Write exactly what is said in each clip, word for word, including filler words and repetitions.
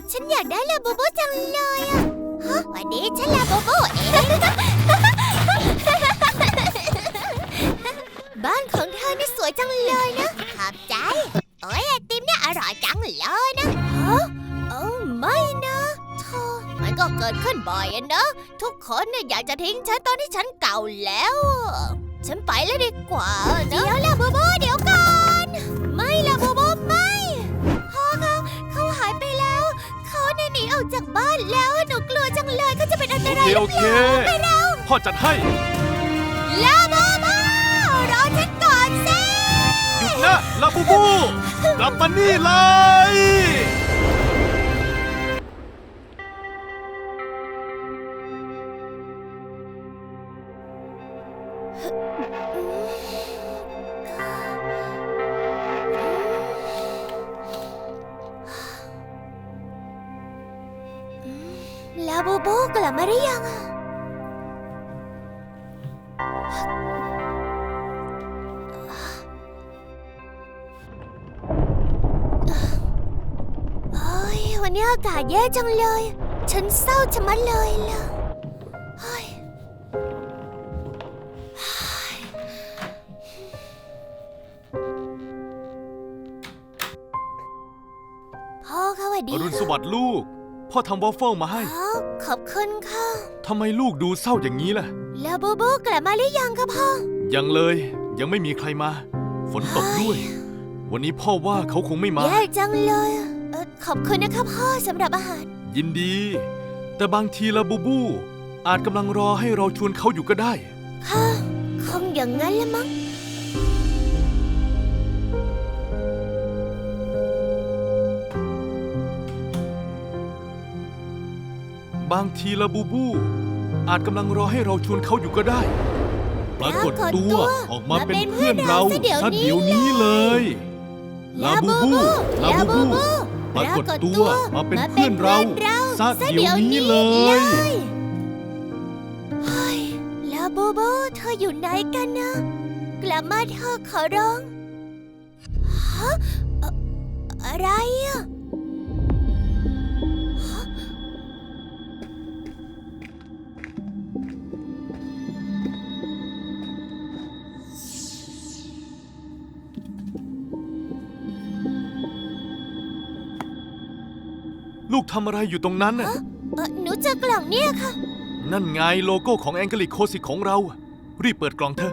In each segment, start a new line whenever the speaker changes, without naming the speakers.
ฉันอยากได้ลาบูบูจังเลยอะฮะวันนี้ฉันลาบูบูเองบ้านของเธอนี่สวยจังเลยนะขอบใจโอ้ยไอติมเนี่ยอร่อยจังเลยนะฮะเออไม่นะเธอมันก็เกิดขึ้นบ่อยอะนะทุกคนเนี่ยอยากจะทิ้งฉันตอนที่ฉันเก่าแล้วฉันไปแล้วดีกว่าเดี๋ยวลาบูบูเดี๋ยวก่อนไม่ลาบูบูไม่พ่อเขาเขาหายไปแล้วเขาเนี่ยหนีออกจากบ้านแล้วหนูกลัวจังเลยเขาจะเป็นอันตราย
โอเคโอเคพ่อจัดให้
ลาบูบูรอฉันก่อนสิ
หยุดนะลาบูบูกลับมานี่เลย
ลาบูบูกลับมาหรือยังอะโอ้ยวันนี้อากาศแย่จังเลยฉันเศร้าชะมัดเลยล่ะเฮ้ยพ่อคะสวัสดี
อรุณสวัสดิ์ลูกพ่อทำวอฟเฟิลมาให้
อ๋อขอบคุณค่ะ
ทำไมลูกดูเศร้าอย่างนี้ล่ะ
ลาบูบูกลับมาหรือยังคะพ่อ
ยังเลยยังไม่มีใครมาฝนตกด้วยวันนี้พ่อว่าเขาคงไม่มา
แย่จังเลยเออขอบคุณนะคะพ่อสำหรับอาหาร
ยินดีแต่บางทีลาบูบูอาจกำลังรอให้เราชวนเขาอยู่ก็ได้
ค่ะคงอย่างนั้นละมั้ง
บางทีลาบูบูอาจกำลังรอให้เราชวนเขาอยู่ก็ได้ปรากฏตัวออกมาเป็นเพื่อนเราซะเดี๋ยวนี้เลยลาบูบูลาบูบูปรากฏตัวมาเป็นเพื่อนเราซะเดี๋ยวนี้เลย
เฮ้ยลาบูบูเธออยู่ไหนกันนะกลับมาเธอขอร้องฮะอะไรอะ
ลูกทำอะไรอยู่ตรงนั้นน่ะ
หนูเจอกล่องเนี่ยค่ะ
นั่นไงโลโก้ของแองเกลิกโคสิกของเรารีบเปิดกล่องเถอะ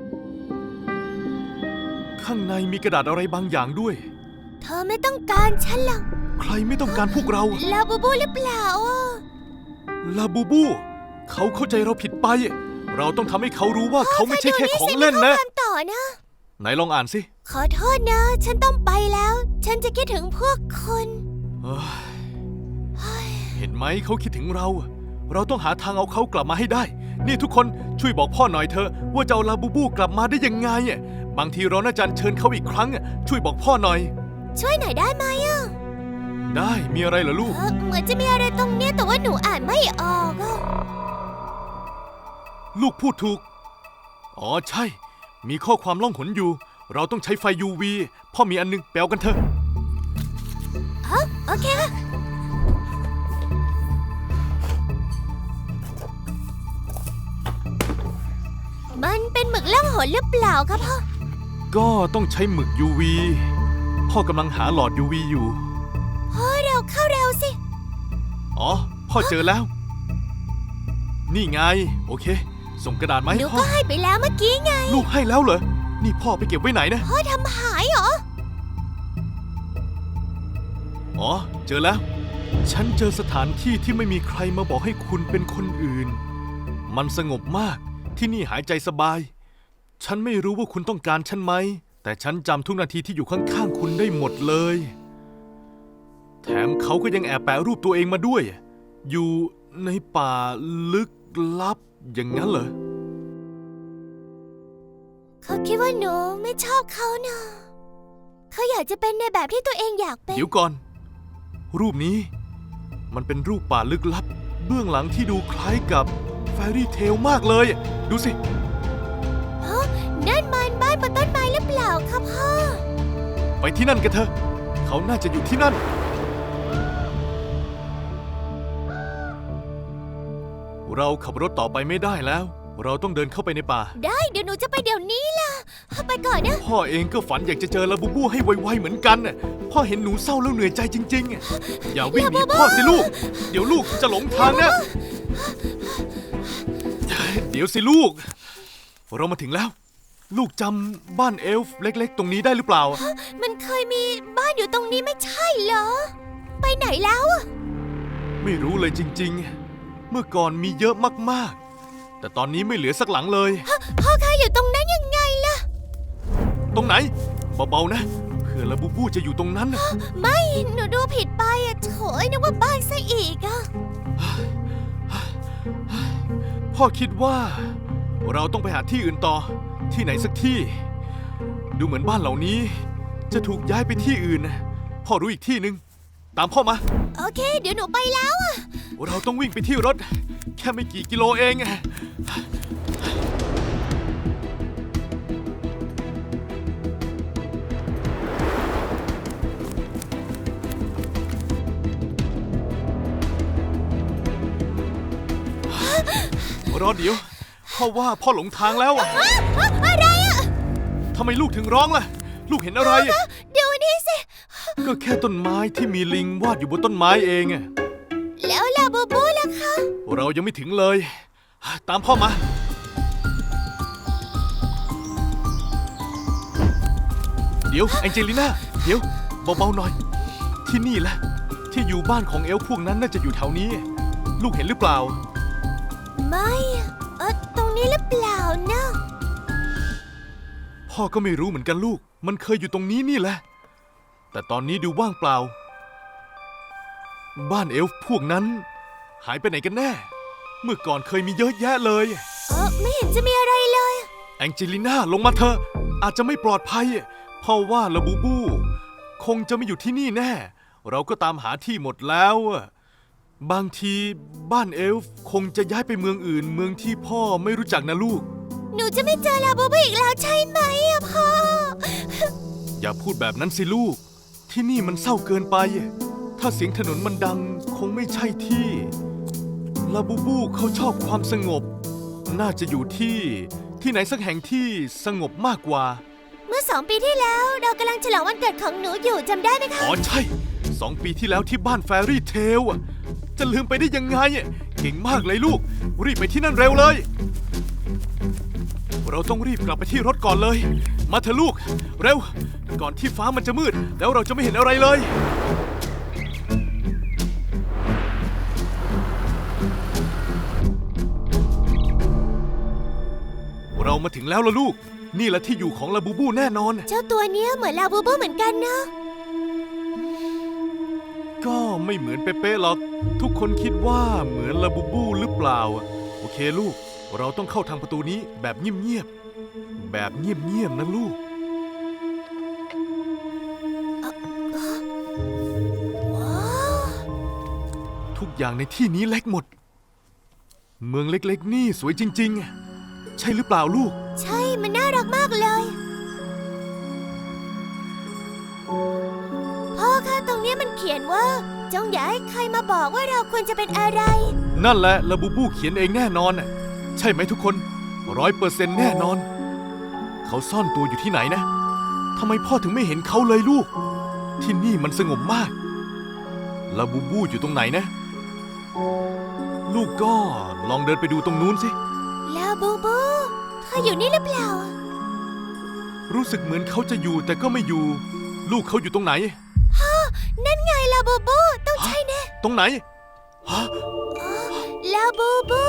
ข้างในมีกระดาษอะไรบางอย่างด้วย
เธอไม่ต้องการฉันหรอก
ใครไม่ต้องการพวกเรา
ลาบูบูหรือเปล่า
ลาบูบูเขาเข้าใจเราผิดไปเราต้องทำให้เขารู้ว่าเขาไม่ใช่แค่ของเล่นนะ
ต่อนะ
ไหนลองอ่านสิ
ขอโทษนะฉันต้องไปแล้วฉันจะคิดถึงพวกคุณ
เห็นไหมเขาคิดถึงเราเราต้องหาทางเอาเขากลับมาให้ได้นี่ทุกคนช่วยบอกพ่อหน่อยเถอะว่าจะเอาลาบูบูกลับมาได้ยังไงบางทีเราน่าจะเชิญเขาอีกครั้งช่วยบอกพ่อหน่อย
ช่วยหน่อยได้ไหมอ่ะ
ได้มีอะไรเหรอลูก
เหมือนจะมีอะไรตรงเนี้ยแต่ว่าหนูอ่านไม่ออก
ลูกพูดถูกอ๋อใช่มีข้อความล่องหนอยู่เราต้องใช้ไฟ ยู วี พ่อมีอันนึงแปลกันเถอะ
อ๋อโอเคมันเป็นหมึกล่องหนหรือเปล่าครับพ่อ
ก็ต้องใช้หมึก ยู วี พ่อกำลังหาหลอด ยู วี อยู่
พ่อเร็วเข้าเร็วสิ
อ๋อพ่อเจอแล้วนี่ไงโอเคส่งกระดาษมาให้พ่อ
หนูก็ให้ไปแล้วเมื่อกี้ไง
ลูกให้แล้วเหรอนี่พ่อไปเก็บไว้ไหนนะ
พ่อทำหายเหรอ
อ๋อเจอแล้วฉันเจอสถานที่ที่ไม่มีใครมาบอกให้คุณเป็นคนอื่นมันสงบมากที่นี่หายใจสบายฉันไม่รู้ว่าคุณต้องการฉันไหมแต่ฉันจำทุกนาทีที่อยู่ข้างๆคุณได้หมดเลยแถมเขาก็ยังแอบแปะรูปตัวเองมาด้วยอยู่ในป่าลึกลับอย่างนั้นเหรอ
เขาคิดว่าหนูไม่ชอบเขานะเขาอยากจะเป็นในแบบที่ตัวเองอยากเป็น
เดี๋ยวก่อนรูปนี้มันเป็นรูปป่าลึกลับเบื้องหลังที่ดูคล้ายกับแฟรี่เทลมากเลยดูสิ
ฮะนั่นมันบ้านบนต้นไม้หรือเปล่าครับพ่อ
ไปที่นั่นกันเถอะเขาน่าจะอยู่ที่นั่นเราขับรถต่อไปไม่ได้แล้ว เราต้องเดินเข้าไปในป่า
ได้เดี๋ยวหนูจะไปเดี๋ยวนี้ล่ะไปก่อนนะ
พ่อเองก็ฝันอยากจะเจอลาบูบูให้ไวๆเหมือนกันน่ะพ่อเห็นหนูเศร้าแล้วเหนื่อยใจจริงๆอ่ะอย่าวิ่งหนีพ่อสิลูก เดี๋ยวลูกจะหลงทางนะ เดี๋ยวสิลูก เรามาถึงแล้ว ลูกจำบ้านเอลฟ์เล็กๆ ตรงนี้ได้หรือเปล่า
มันเคยมีบ้านอยู่ตรงนี้ไม่ใช่เหรอไปไหนแล้วอะ
ไม่รู้เลยจริงๆ เมื่อก่อนมีเยอะมากๆ แต่ตอนนี้ไม่เหลือสักหลังเลย
พ่อคะอยู่ตรงนั้นยังไงล่ะ
ตรงไหนเบาๆนะเผื่อลาบูบูจะอยู่ตรงนั้นน่ะ
ไม่หนูดูผิดไปอะโถยนึกว่าบ้านซะอีกอะ
พ่อคิดว่า เราต้องไปหาที่อื่นต่อที่ไหนสักที่ ดูเหมือนบ้านเหล่านี้ จะถูกย้ายไปที่อื่นนะพ่อรู้อีกที่หนึ่งตามพ่อมา
โอเค เดี๋ยวหนูไปแล้วอะ
เราต้องวิ่งไปที่รถ แค่ไม่กี่กิโลเอง รอเดี๋ยวพ่อว่าพ่อหลงทางแล้วอะ
อะไรอะ
ทำไมลูกถึงร้องล่ะ ลูกเห็นอะไรอะ
เดี๋ยวนี้สิ
ก็แค่ต้นไม้ที่มีลิงวาดอยู่บนต้นไม้เองอะ
แล้วลาบูบูล่ะคะ
เรายังไม่ถึงเลย ตามพ่อมา เดี๋ยวแองเจลิน่าเดี๋ยวเบาๆหน่อย ที่นี่แหละที่อยู่บ้านของเอลฟ์พวกนั้นน่าจะอยู่แถวนี้ ลูกเห็นหรือเปล่า
ไม่อะเออตรงนี้หรือเปล่านะ
พ่อก็ไม่รู้เหมือนกันลูก มันเคยอยู่ตรงนี้นี่แหละ แต่ตอนนี้ดูว่างเปล่า บ้านเอลฟ์พวกนั้น หายไปไหนกันแน่ เมื่อก่อนเคยมีเยอะแยะเลย
เออไม่เห็นจะมีอะไรเลย
แองเจลิน่าลงมาเถอะอาจจะไม่ปลอดภัยเพราะว่าลาบูบู คงจะไม่อยู่ที่นี่แน่ เราก็ตามหาที่หมดแล้วอะบางทีบ้านเอลฟ์คงจะย้ายไปเมืองอื่น เมืองที่พ่อไม่รู้จักนะลูก
หนูจะไม่เจอลาบูบูอีกแล้วใช่ไหมอะพ่อ
อย่าพูดแบบนั้นสิลูก ที่นี่มันเศร้าเกินไป ถ้าเสียงถนนมันดังคงไม่ใช่ที่ลาบูบูเขาชอบความสงบ น่าจะอยู่ที่ที่ไหนสักแห่งที่สงบมากกว่า
เมื่อสองปีที่แล้วเรากำลังฉลองวันเกิดของหนูอยู่จำได้ไหมคะ
อ๋อใช่สองปีที่แล้วที่บ้านแฟรี่เทลอะจะลืมไปได้ยังไงอะเก่งมากเลยลูก รีบไปที่นั่นเร็วเลย เราต้องรีบกลับไปที่รถก่อนเลย มาเถอะลูก เร็ว ก่อนที่ฟ้ามันจะมืด แล้วเราจะไม่เห็นอะไรเลย เรามาถึงแล้วล่ะลูก นี่แหละที่อยู่ของลาบูบูแน่นอน
เจ้าตัวเนี้ยเหมือนลาบูบูเหมือนกันนะ
ก็ไม่เหมือนเป๊ะๆหรอก ทุกคนคิดว่าเหมือนลาบูบูหรือเปล่า โอเคลูก เราต้องเข้าทางประตูนี้แบบเงียบๆ แบบเงียบๆนะลูก
ว้าว
ทุกอย่างในที่นี้เล็กหมด เมืองเล็กๆ นี่สวยจริงๆ ใช่หรือเปล่าลูก
ใช่มันน่ารักมากเลยพ่อคะตรงเนี้ยมันเขียนว่าจงอย่าให้ใครมาบอกว่าเราควรจะเป็นอะไร
นั่นแหละลาบูบูเขียนเองแน่นอนน่ะใช่ไหมทุกคนร้อยเปอร์เซ็นต์แน่นอน เขาซ่อนตัวอยู่ที่ไหนนะทำไมพ่อถึงไม่เห็นเขาเลยลูก ที่นี่มันสงบมากลาบูบูอยู่ตรงไหนนะ ลูกก็ลองเดินไปดูตรงนู้นสิ
ลาบูบูเธออยู่นี่หรือเปล่า
รู้สึกเหมือนเขาจะอยู่แต่ก็ไม่อยู่ ลูกเขาอยู่ตรงไหน
นั่นไงลาบูบูต้องใช่แน่
ตรงไหนฮะ
ลาบูบู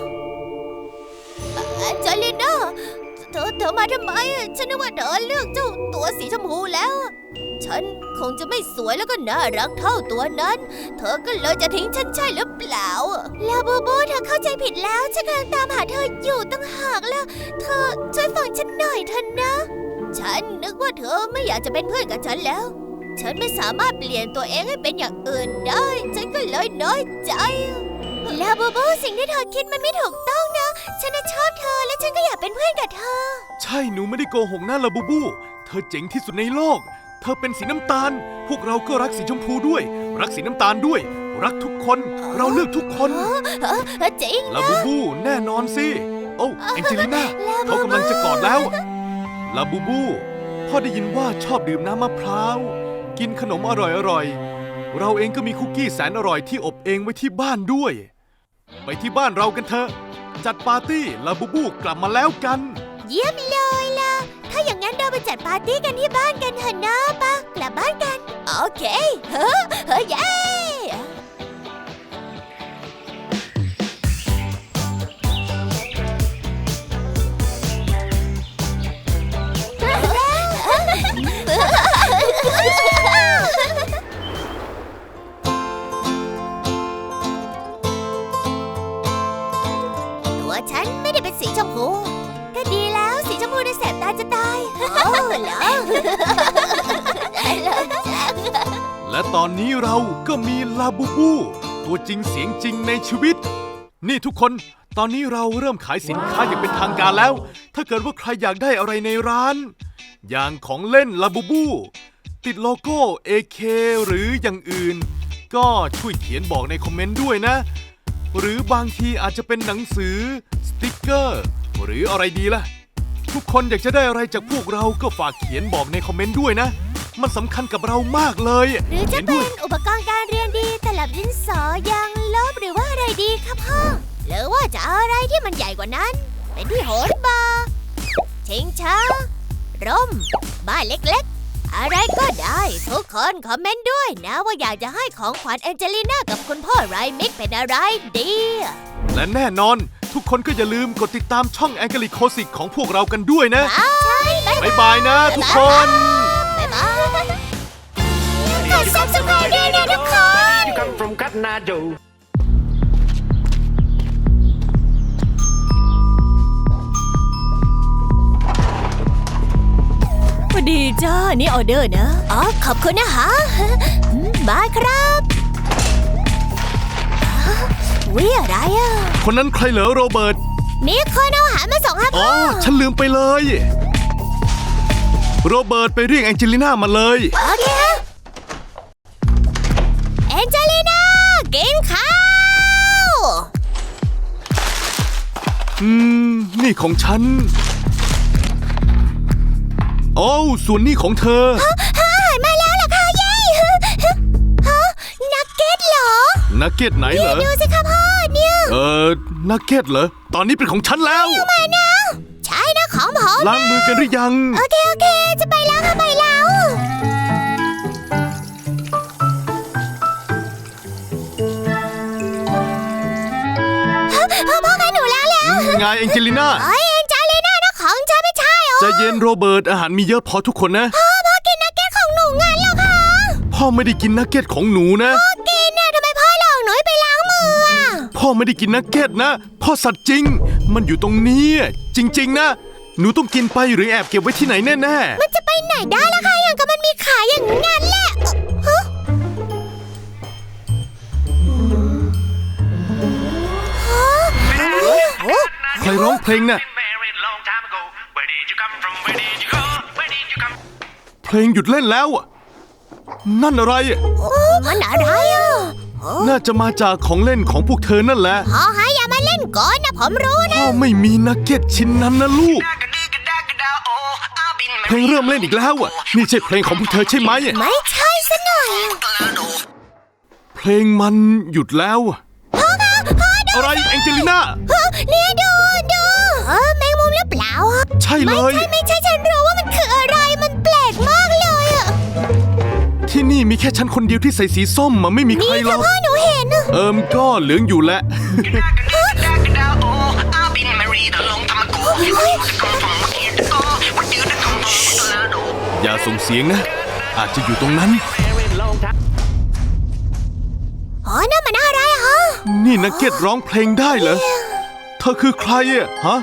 อ่ะจอลิน่าเธอเธอมาทำไมอ่ะฉันนึกว่าเธอเลือกเจ้าตัวสีชมพูแล้วอ่ะฉันคงจะไม่สวยแล้วก็น่ารักเท่าตัวนั้น เธอก็เลยจะทิ้งฉันใช่หรือเปล่าอ่ะลาบูบูเธอเข้าใจผิดแล้วฉันกำลังตามหาเธออยู่ตั้งหากแล้ว เธอช่วยฟังฉันหน่อยเถอะนะ ฉันนึกว่าเธอไม่อยากจะเป็นเพื่อนกับฉันแล้ว ฉันไม่สามารถเปลี่ยนตัวเองให้เป็นอย่างอื่นได้ ฉันก็เลยน้อยใจลาบูบูสิ่งที่เธอคิดมันไม่ถูกต้องนะ ฉันน่ะชอบเธอและฉันก็อยากเป็นเพื่อนกับเธอ
ใช่หนูไม่ได้โกหกนะลาบูบู เธอเจ๋งที่สุดในโลก เธอเป็นสีน้ำตาล พวกเราก็รักสีชมพูด้วย รักสีน้ำตาลด้วยรักทุกคน เราเลือกทุกคน
เออเออจริง
ลาบูบูแน่นอนสิ โอ้แองเจลิน่าเขากำลังจะกอดแล้วลาบูบูพ่อได้ยินว่าชอบดื่มน้ำมะพร้าวกินขนมอร่อยๆเราเองก็มีคุกกี้แสนอร่อยที่อบเองไว้ที่บ้านด้วย ไปที่บ้านเรากันเถอะจัดปาร์ตี้ลาบูบูกลับมาแล้วกัน
เยี่ยมเลยล่ะ ถ้าอย่างนั้นเราไปจัดปาร์ตี้กันที่บ้านกันเถอะนะปะกลับบ้านกัน โอเค เฮ้อเฮ้อเย้ตัวฉันไม่ได้เป็นสีชมพูก็ดีแล้วสีชมพูในแสบตาจะตายโอ้เหรอ
และตอนนี้เราก็มีลาบูบูตัวจริงเสียงจริงในชีวิต นี่ทุกคนตอนนี้เราเริ่มขายสินค้าอย่างเป็นทางการแล้ว ถ้าเกิดว่าใครอยากได้อะไรในร้าน อย่างของเล่นลาบูบูติดโลโก้ เอ เค หรืออย่างอื่น ก็ช่วยเขียนบอกในคอมเมนต์ด้วยนะ หรือบางทีอาจจะเป็นหนังสือสติกเกอร์หรืออะไรดีล่ะ ทุกคนอยากจะได้อะไรจากพวกเราก็ฝากเขียนบอกในคอมเมนต์ด้วยนะ มันสำคัญกับเรามากเลย
หรือจะ
ขียนด้
เป็
วย
นอุปกรณ์การเรียนดีตลับดินสอยางลบหรือว่าอะไรดีครับพ่อ หรือว่าจะเอาอะไรที่มันใหญ่กว่านั้น เป็นที่โหนบาร์ชิงช้าร่มบ้านเล็กๆ อะไรก็ได้ ทุกคนคอมเมนต์ด้วยนะว่าอยากจะให้ของขวัญแองเจลิน่ากับคุณพ่อไรมิกเป็นอะไรดี
และแน่นอนทุกคนก็อย่าลืมกดติดตามช่องแองเกลิโคสิกของพวกเรากันด้วยนะ
ใช่
บ๊ายบายนะทุกคน
บ๊ายบายกด ซับสไครบ์ ด้วยนะทุกคน
You come from Kathmandu.
สวัสดีจ้า นี่ออเดอร์นะ อ๋อ ขอบคุณนะคะอืมมาครับวิอะไรอ่ะ
คนนั้นใครเหรอโรเบิร์ต
มีคนเอาอาหารมาส่งครับ
อ๋อ
พ่อ
ฉันลืมไปเลย โรเบิร์ตไปเรียกแองเจลิน่ามาเลย
โอเคแองเจลิน่ากินข้าว
อืม นี่ของฉัน โอ้วส่วนนี้ของเธอ
อาหารมาแล้วเหรอคะเย้ฮะนักเก็ตเหรอ
นักเก็ตไหนเหรอ
ดูสิคะพ่อเนี่ย
เออนักเก็ตเหรอ ตอนนี้เป็นของฉันแล้ว
มานะใช่นะของผม
ล้างมือกันหรือยัง
โอเค โอเค จะไปแล้วค่ะไปแล้วฮะพ่อพ่อคะหนูล้างแล้ว
ไงแองเจลิน่า
เอ้ยเอ็นจาเลน่านะของฉันไม่ใช่เหรอ
ใจเย็นโรเบิร์ตอาหารมีเยอะพอทุกคนนะ
พ่อพ่อกินนักเก็ตของหนูงั้นเหรอคะ
พ่อไม่ได้กินนักเก็ตของหนูนะ
พ่อกินน่ะทำไมพ่อหลอกหนูให้ไปล้างมืออ่ะ
พ่อไม่ได้กินนักเก็ตนะ พ่อสัตว์จริง มันอยู่ตรงนี้ จริง ๆ นะ หนูต้องกินไปหรือแอบเก็บไว้ที่ไหนแน่
มันจะไปไหนได้ล่ะคะอย่างกับมันมีขายอย่างงั้นแหละเอ่อฮะฮะโอ้
ๆ ใครร้องเพลงน่ะ
Been married long time ago. Where did you come from? Where did you go? Where did you come?
เพลงหยุดเล่นแล้วอะนั่นอะไรอะ
โอ้มันอะไรอ่ะ
น่าจะมาจากของเล่นของพวกเธอนั่นแหละ
พ่อฮะอย่ามาเล่นก่อนนะผมรู้นะ
พ่อไม่มีนักเก็ตชิ้นนั้นนะลูก
Dagga-digga-dagga-da, oh, I've been
เพลง
married
เริ่มเล่นอีกแล้วอะนี่ใช่เพลงของพวกเธอใช่ไหม
ไม่ใช่ซะหน่อย
เพลงมันหยุดแล้วอะอะไรแองเจลิน่า
ฮะเนี่ยดูดูเออแมงมุมหรือเปล่าอะ
ใช่เล
ไม่
ย
ใช่ไม่ใช่ฉันรู้ว่ามันคืออะไรมันแปลกมากเลยอะ
ที่นี่มีแค่ฉันคนเดียวที่ใส่สีส้มมันไม่มีใคร
นี่
หร
ค่ะ
อก
พ่อหนูเห็นอะ
เอิมก็เหลืองอยู่แล้ว
Dagga-digga-dagga-da, oh, I've been married a long time ago. Where did you come from? Where did you go? Where did you come from? Orlando.
อย่าส่งเสียงนะ อาจจะอยู่ตรงนั้น
Married long time.
อ๋อนั่นมันอะไรอะฮะ
นี่นักเก็ตร้องเพลงได้เหรอ เธอคือใครอะฮะ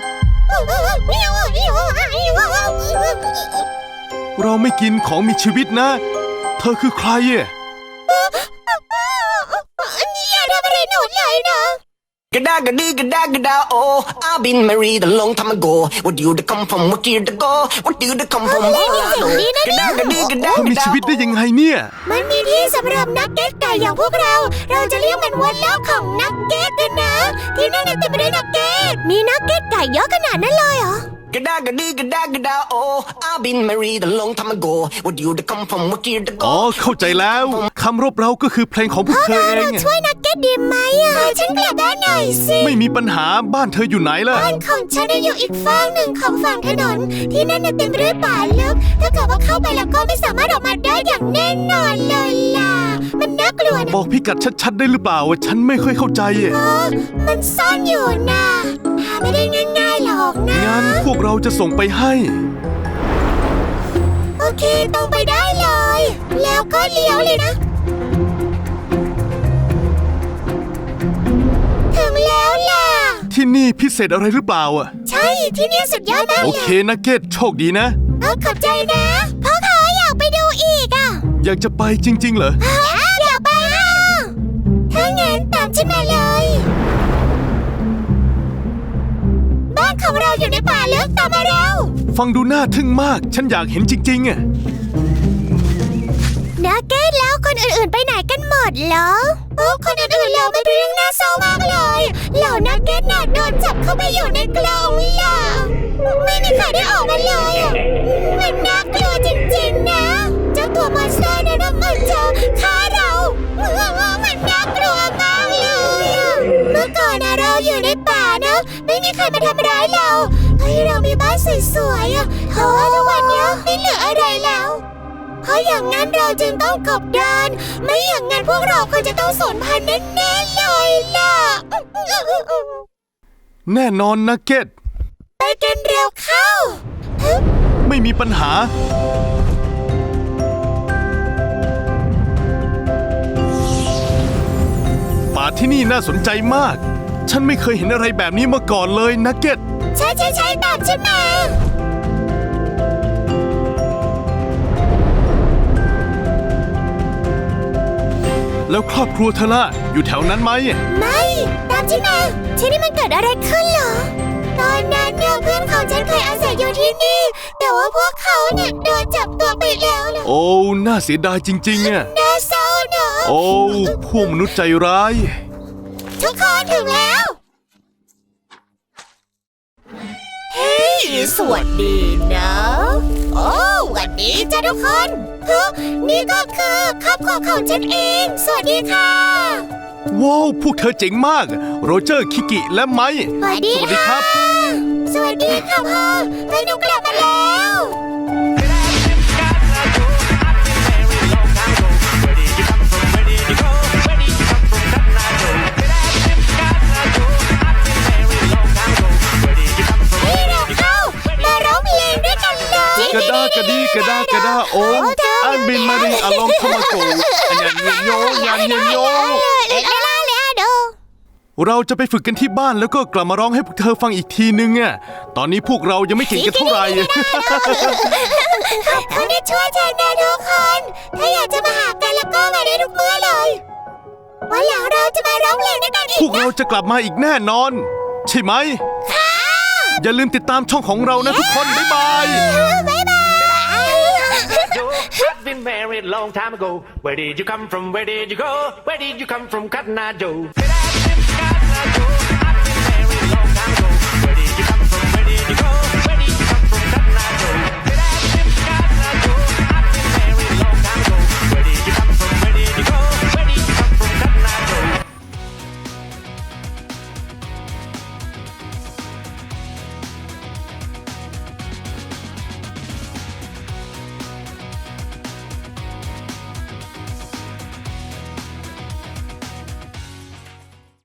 เราไม่กินของมีชีวิตนะ เธอคือใครอะ
อย่าทำอะไรหนูเลยนะ
Gada gadi gada gada oh, I've been married a long time ago. Where do you come from? What year to go? What do you come from? Gada gadi gada
เธอมีชีวิตได้ยังไงเนี่ย
มันมีที่สำหรับนักเก็ตไก่อย่างพวกเรา เราจะเรียกมันว่าโลกของนักเก็ตกันนะ ที่นั่นเต็มไปด้วยนักเก็ต มีนักเก็ตไก่เยอะขนาดนั้นเลยเหรอ
Gada gadi gada gada oh, I've been married a long time ago. Where do you come from? What year to
อ๋อ
go?
เข้าใจแล้วคำรบเราก็คือเพลงของพวกเธอเอง
เราช่วยนักเก็ตดีไหมอ่ะฉันกลับบ้านหน่อยสิ
ไม่มีปัญหาบ้านเธออยู่ไหนล่ะ
บ้านของฉันอยู่อีกฝั่งหนึ่งของฝั่งถนน ที่นั่นเต็มไปด้วยป่าลึก ถ้าเกิดว่าเข้าไปแล้วก็ไม่สามารถออกมาได้อย่างแน่นอนเลยล่ะ มันน่ากลัวนะ
บอกพิกัดชัดๆได้หรือเปล่าฉันไม่ค่อยเข้าใจอะ
เออมันซ่อนอยู่นะหาไม่ได้ง่ายๆหรอกนะ
งั้นพวกเราจะส่งไปให้
โอเคตรงไปได้เลย แล้วก็เลี้ยวเลยนะ ถึงแล้วล่ะ
ที่นี่พิเศษอะไรหรือเปล่าอ่ะ
ใช่ที่นี่สุดยอดมาก
โอ
เล
เค
ย
นักเก็ตโชคดีนะ
เออขอบใจนะพ่อเขาอยากไปดูอีกอ่ะ
อยากจะไปจริง ๆ เหรอ
อยากไปอ่ะถ้างั้นตามฉันมาเลย บ้านของเราอยู่ในป่าลึกตามมาเรา
ฟังดูน่าทึ่งมาก ฉันอยากเห็นจริงๆอ่ะ
นักเก็ตแล้วคนอื่นๆไปไหนกันหมดเหรอโอ้คนอื่นๆแล้วมันเป็นเรื่องน่าเศร้ามากเลยเหล่านักเก็ตน่ะโดนจับเข้าไปอยู่ในกรงล่ะไม่มีใครได้ออกมาเลยอะมันน่ากลัวจริงๆนะเจ้าตัวมอนสเตอร์นั้นมันจะฆ่าเรามันน่ากลัวมากเลยอะเมื่อก่อนนะเราอยู่ในป่านะไม่มีใครมาทำร้ายเราเฮ้ยเรามีบ้านสวยๆอะแต่ว่าทุกวันนี้ไม่เหลืออะไรแล้วเพราะอย่างนั้นเราจึงต้องกบดานไม่อย่างนั้นพวกเราคงจะต้องสูญพันธุ์แน่ๆเลยล่ะ
แน่นอนนักเก็ต
ไปกันเร็วเข้า
ไม่มีปัญหา ป่าที่นี่น่าสนใจมาก ฉันไม่เคยเห็นอะไรแบบนี้มาก่อนเลยนักเก็ต
ใช่ใช่ใช่ตามฉันมา
แล้วครอบครัวเธอล่ะอยู่แถวนั้นไหม
ไม่ตามฉันมาที่นี่มันเกิดอะไรขึ้นเหรอตอนนั้นเนี่ยเพื่อนของฉันเคยอาศัยอยู่ที่นี่แต่ว่าพวกเขาเนี่ยโดนจับตัวไปแล้วล่ะ
โอ้ น่าเสียดายจริงๆอ่ะ
น่าเศร้าเนอะ
โอ้ พวกมนุษย์ใจร้าย
ทุกคนถึงแล้วเฮ้ยสวัสดีนะโอ้สวัสดีจ้าทุกคนเฮ้ยนี่ก็คือครอบครัวของฉันเองสวัสดีค่ะ
ว้าว พวกเธอเจ๋งมาก โรเจอร์ คิกิและไมค์
สวัสดี
สวัสดีครับ
สวัสดีค่ะพ่อไปหนูกลับมาแล้ว ให้เราเข้ามาร้องเพลงด้วยกันเลย
กระดากระดีกระดากระดาโอมอันบินมารีอลองทมาโกอันยันเยนโยยันเยนโย
เล่นเล่นเล่นดู
เราจะไปฝึกกันที่บ้านแล้วก็กลับมาร้องให้พวกเธอฟังอีกทีนึงอ่ะ ตอนนี้พวกเรายังไม่เก่งกันเท่าไหร่
เขาได้ช่วยฉันนะทุกคน ถ้าอยากจะมาหากันแล้วก็มาได้ทุกเมื่อเลยวันหลังเราจะมาร้องเพลงด้วยกันอี
พ
ก
วกเราจะกลับมาอีกแน่นอน ใช่ไหม อย่าลืมติดตามช่องของเรานะทุกคน บ๊ายบาย
บ๊ายบาย
Joe, I've been married a long time ago. Where did you come from? Where did you go? Where did you come from, Cotton Eye Joe?